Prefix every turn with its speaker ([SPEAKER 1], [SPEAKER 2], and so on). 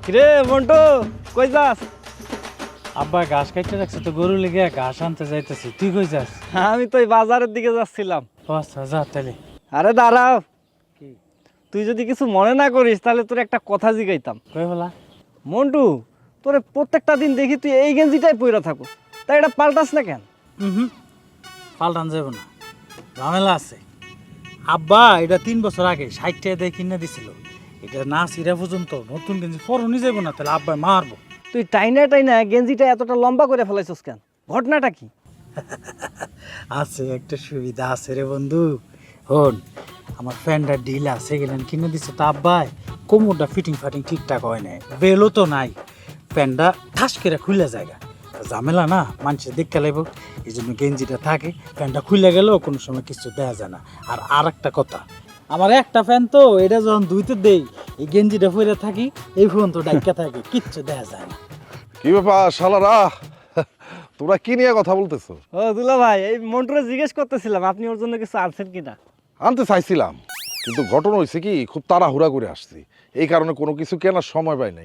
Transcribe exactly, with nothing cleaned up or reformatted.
[SPEAKER 1] কিরে মন্টু কই যাস?
[SPEAKER 2] আব্বা ঘাস কাটতে রাখছে তো গরু লেগে ঘাস আনতে যাইতেছি। তুই কই যাস?
[SPEAKER 1] আমি তো এই বাজারের দিকে যাচ্ছিলাম।
[SPEAKER 2] ও আচ্ছা যা তাহলে।
[SPEAKER 1] আরে দাঁড়াও,
[SPEAKER 2] কি
[SPEAKER 1] তুই যদি কিছু মনে না করিস তাহলে তোর একটা কথা জিগাইতাম।
[SPEAKER 2] কই বলা?
[SPEAKER 1] মন্টু, তোরে প্রত্যেকটা দিন দেখি তুই এই গেঞ্জিটাই পইরা থাকো, তাই এটা পাল্টাস না কেন?
[SPEAKER 2] হুম পাল্টান যাব না, ঝামেলা আছে। আব্বা এটা তিন বছর আগে ষাট টাকা দিয়ে কিনে দিছিল। এটা না সিরা পর্যন্ত নতুন গেঞ্জি পরনই যাব না, তাহলে আব্বাই মারবো।
[SPEAKER 1] তুই টাইনা টাইনা গেঞ্জিটা এতটা লম্বা করে ফেলাইছস কেন? ঘটনাটা কি?
[SPEAKER 2] আছে একটা সুবিধা আছে রে বন্ধু। হন, আমার ফ্যানটা ঢিলা সেকেন্ড হ্যান্ড কিনে দিছে তো আব্বাই, কোমরটা ফিটিং ফাটিং ঠিকঠাক হয় নাই, বেলও তো নাই, প্যান্টটা ঠাস করে খুলে জায়গা ঝামেলা না, মানুষের দেখতে লাগবে, এই জন্য গেঞ্জিটা থাকে, প্যান্টটা খুলে গেলেও কোনো সময় কিছু দেওয়া যায় না। আর আর একটা কথা, আমার একটা ফ্যান তো, এটা যখন ধুইতে দেই এই গেঞ্জিটা পরে থাকি, এই ফোন তো ডাক্কা থাকে, কিচ্ছু দেওয়া যায় না।
[SPEAKER 3] কি ব্যাপার শালারা, তোরা কি নিয়ে কথা বলতেছো?
[SPEAKER 1] ও দুলা ভাই, এই মন্টুরে জিজ্ঞেস করতেছিলাম আপনি ওর জন্য কিছু আনছেন কিনা।
[SPEAKER 3] আনতে চাইছিলাম, কিন্তু ঘটনা হয়েছে কি, খুব তাড়াহুড়া করে আসছি, এই কারণে কোনো কিছু কেনার সময় পাই নাই।